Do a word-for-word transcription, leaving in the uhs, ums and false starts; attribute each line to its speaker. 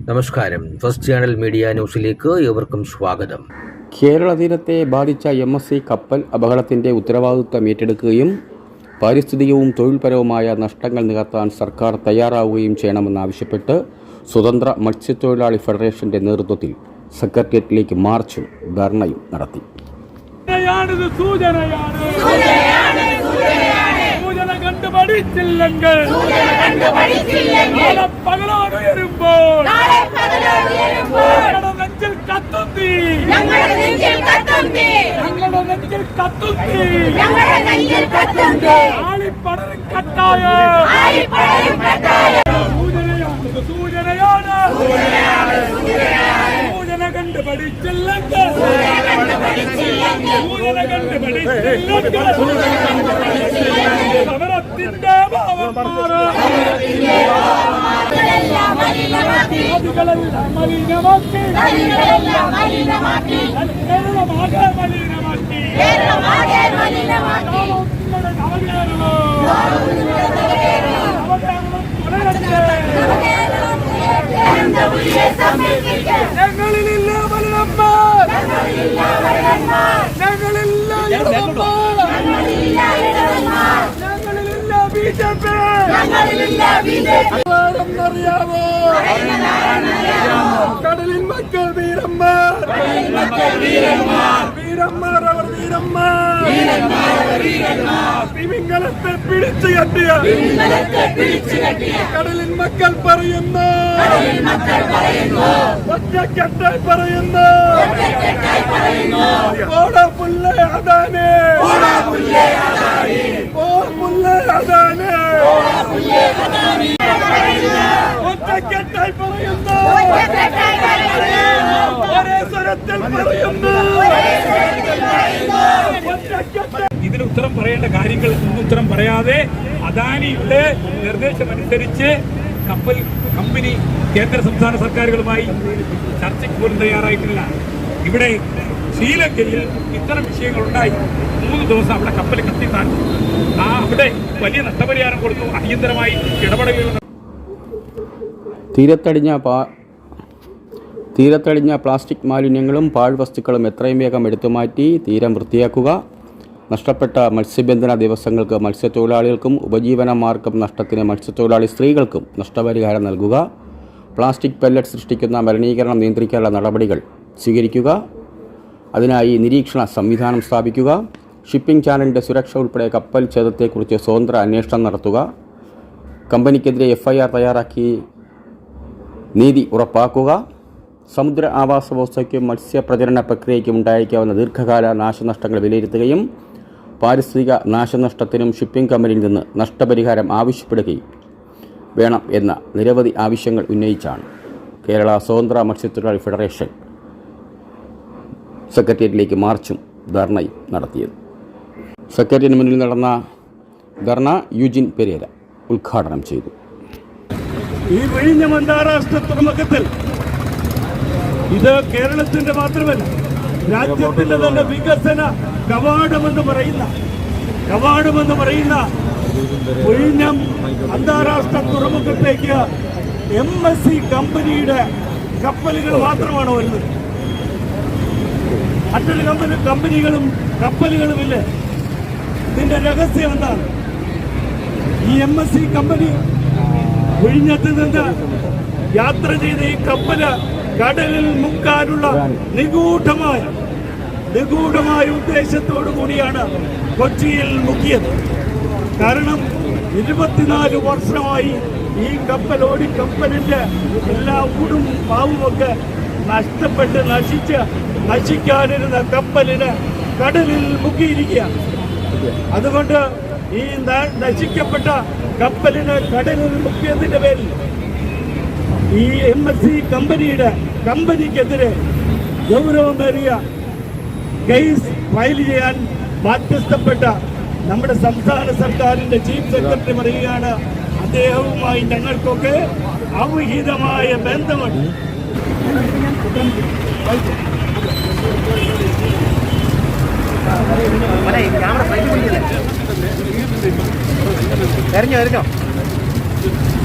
Speaker 1: നമസ്കാരം. First channel media ന്യൂസിലേക്ക് ഏവർക്കും സ്വാഗതം.
Speaker 2: കേരള തീരത്തെ ബാധിച്ച എം എസ് സി കപ്പൽ അപകടത്തിൻ്റെ ഉത്തരവാദിത്വം ഏറ്റെടുക്കുകയും പാരിസ്ഥിതികവും തൊഴിൽപരവുമായ നഷ്ടങ്ങൾ നികത്താൻ സർക്കാർ തയ്യാറാവുകയും ചെയ്യണമെന്നാവശ്യപ്പെട്ട് സ്വതന്ത്ര മത്സ്യത്തൊഴിലാളി ഫെഡറേഷന്റെ നേതൃത്വത്തിൽ സെക്രട്ടേറിയറ്റിലേക്ക് മാർച്ചും ധർണയും നടത്തി.
Speaker 3: കണ്ടുപഠിച്ചില്ലെങ്കിൽ പകലോട് വരുമ്പോൾ ഞങ്ങളുടെ നെഞ്ചിൽ കത്തുന്തി ഞങ്ങളുടെ നെഞ്ചിൽ കത്തുന്തി ആളിപ്പടരും കത്തായ സൂചനയാണ് സൂചന കണ്ടുപഠിച്ചില്ലെങ്കിൽ സൂചന കണ്ടുപഠിച്ചില്ലെങ്കിൽ സമരത്തിന്റെ ഭാവം നദികളെല്ലാം മലിനമാക്കി കേരളമാകെ മലിനമാക്കി ഞങ്ങളിലില്ല മലിനന്മാർ, ഞങ്ങളില്ല ഞങ്ങളിലില്ല ബി ജെ പി. അറിയാമോ കടലിൻ മക്കൾ വീരന്മാർ, വീരന്മാർ അവർ വീരന്മാർ. തിമിംഗലത്തെ പിടിച്ചു കെട്ടിയ കടലിൻ മക്കൾ പറയുന്നു, ഒറ്റക്കെട്ടായി പറയുന്നു, ഓടാ പുല്ലേ അതാനേ, ഓ പുല്ലേ അതാനേ, ഒറ്റക്കെട്ടായി പറയുന്നു, ഒരേ സ്വരത്തിൽ പറയുന്നു. ഇതിന് ഉത്തരം പറയേണ്ട കാര്യങ്ങൾ ഉത്തരം പറയാതെ അദാനിയുടെ നിർദ്ദേശമനുസരിച്ച് കപ്പൽ കമ്പനി കേന്ദ്ര സംസ്ഥാന സർക്കാരുകളുമായി ചർച്ചയ്ക്ക് പോലും തയ്യാറായിട്ടില്ല. ഇവിടെ ശ്രീലങ്കയിൽ ഇത്തരം വിഷയങ്ങളുണ്ടായി. മൂന്ന് ദിവസം അവിടെ കപ്പൽ കത്തിത്താൻ ആ അവിടെ വലിയ നഷ്ടപരിഹാരം കൊടുത്തു. അടിയന്തരമായി ഇടപെടുകയും
Speaker 2: തീരത്തടിഞ്ഞ പാ തീരത്തടിഞ്ഞ പ്ലാസ്റ്റിക് മാലിന്യങ്ങളും പാഴ്വസ്തുക്കളും എത്രയും വേഗം എടുത്തുമാറ്റി തീരം വൃത്തിയാക്കുക. നഷ്ടപ്പെട്ട മത്സ്യബന്ധന ദിവസങ്ങൾക്ക് മത്സ്യത്തൊഴിലാളികൾക്കും ഉപജീവന മാർഗം നഷ്ടത്തിന് മത്സ്യത്തൊഴിലാളി സ്ത്രീകൾക്കും നഷ്ടപരിഹാരം നൽകുക. പ്ലാസ്റ്റിക് പെല്ലറ്റ് സൃഷ്ടിക്കുന്ന മലിനീകരണം നിയന്ത്രിക്കാനുള്ള നടപടികൾ സ്വീകരിക്കുക. അതിനായി നിരീക്ഷണ സംവിധാനം സ്ഥാപിക്കുക. ഷിപ്പിംഗ് ചാനലിൻ്റെ സുരക്ഷ ഉൾപ്പെടെ കപ്പൽ ഛേദത്തെക്കുറിച്ച് സ്വതന്ത്ര അന്വേഷണം നടത്തുക. കമ്പനിക്കെതിരെ എഫ് ഐ ആർ തയ്യാറാക്കി നീതി ഉറപ്പാക്കുക. സമുദ്ര ആവാസ വ്യവസ്ഥയ്ക്കും മത്സ്യപ്രജനന പ്രക്രിയയ്ക്കും ഉണ്ടായേക്കാവുന്ന ദീർഘകാല നാശനഷ്ടങ്ങൾ വിലയിരുത്തുകയും പാരിസ്ഥിതിക നാശനഷ്ടത്തിനും ഷിപ്പിംഗ് കമ്പനിയിൽ നിന്ന് നഷ്ടപരിഹാരം ആവശ്യപ്പെടുകയും വേണം എന്ന നിരവധി ആവശ്യങ്ങൾ ഉന്നയിച്ചാണ് കേരള സ്വതന്ത്ര മത്സ്യത്തൊഴിലാളി ഫെഡറേഷൻ സെക്രട്ടേറിയറ്റിലേക്ക് മാർച്ചും ധർണയും നടത്തിയത്. സെക്രട്ടേറിയറ്റിന് മുന്നിൽ നടന്ന ധർണ യുജിൻ പെരേര ഉദ്ഘാടനം ചെയ്തു.
Speaker 3: ഈ വിഴിഞ്ഞം അന്താരാഷ്ട്ര തുറമുഖത്തിൽ ഇത് കേരളത്തിന്റെ മാത്രമല്ല രാജ്യത്തിന്റെ തന്നെ വികസന കവാടമെന്ന് പറയുന്ന കവാടമെന്ന് പറയുന്ന വിഴിഞ്ഞം അന്താരാഷ്ട്ര തുറമുഖത്തേക്ക് എം എസ് സി കമ്പനിയുടെ കപ്പലുകൾ മാത്രമാണ് വരുന്നത്. മറ്റൊരു കമ്പനി കമ്പനികളും കപ്പലുകളുമില്ല. ഇതിന്റെ രഹസ്യം എന്താണ്? ഈ എം എസ് സി കമ്പനി വിഴിഞ്ഞത്ത് നിന്ന് യാത്ര ചെയ്ത ഈ കപ്പല് കടലിൽ മുക്കാനുള്ള നിഗൂഢമായ നിഗൂഢമായ ഉദ്ദേശത്തോടു കൂടിയാണ് കൊച്ചിയിൽ മുക്കിയത്. കാരണം ഇരുപത്തിനാല് വർഷമായി ഈ കപ്പൽ ഓടി കപ്പലിന്റെ എല്ലാ ഊടും പാവുമൊക്കെ നഷ്ടപ്പെട്ട് നശിച്ച് നശിക്കാനിരുന്ന കപ്പലിന് കടലിൽ മുക്കിയിരിക്കുകയാണ്. അതുകൊണ്ട് ഈ നശിക്കപ്പെട്ട കപ്പലിന് കടലിൽ മുക്കിയതിന്റെ പേരിൽ ഈ എം എസ് സി കമ്പനിയുടെ കമ്പനിക്കെതിരെ ഗൗരവമേറിയ കേസ് ഫയൽ ചെയ്യാൻ ബാധ്യസ്ഥപ്പെട്ട നമ്മുടെ സംസ്ഥാന സർക്കാരിന്റെ ചീഫ് സെക്രട്ടറി പറയുകയാണ്, അദ്ദേഹവുമായി ഞങ്ങൾക്കൊക്കെ അവിഹിതമായ ബന്ധമുണ്ട്.
Speaker 4: ക്യാമറ കഴിഞ്ഞു കഴിഞ്ഞോ